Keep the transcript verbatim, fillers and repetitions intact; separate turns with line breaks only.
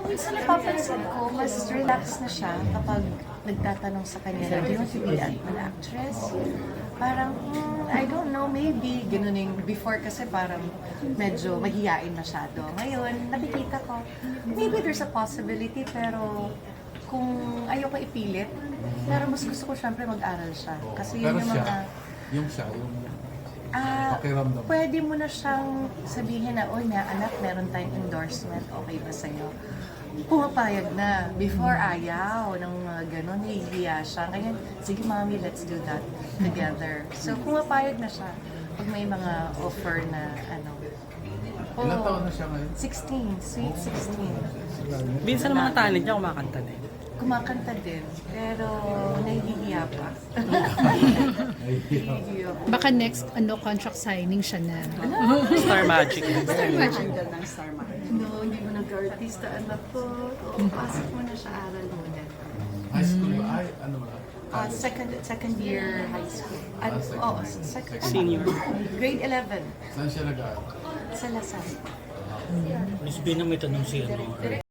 Minsan napapansin ko, mas relax na siya kapag nagtatanong sa kanya na, do you want to be an an actress? Parang, hmm, I don't know, maybe. Ganun yung before kasi parang medyo mahihain masyado. Ngayon, nakikita ko, maybe there's a possibility, pero kung ayoko ipilit, pero mas gusto ko syempre mag-aral siya. Kasi yun
Pero
yung
siya,
mga...
yung siya, yung
Ah,
pakiramdam.
pwede mo na siyang sabihin na, oy, na anak, meron tayong endorsement, okay ba sa'yo? Pumapayag na. Before, ayaw ng mga ganon, nahihiya siya. Ngayon, sige mami, let's do that together. So, pumapayag na siya pag may mga offer na, ano.
Ilang taon na siya ngayon?
sixteen, sweet sixteen.
Minsan ang mga talent niya kumakanta din.
Kumakanta din, pero nahihiya pa. Nahihiya pa.
Baka next ano contract signing siya na.
Star Magic.
Star Magic.
ng Star Magic.
No, hindi mo nag-artista, anak ko. Oo, pasok mo na siya, aral muna.
High school ba? Ay, ano ba?
Ah, second second year high school. At,
Ah, second
oh,
year.
second,
Senior.
Grade eleven
Saan siya nag-aaral?
sa Lasal.
Miss B na may tanong si ano,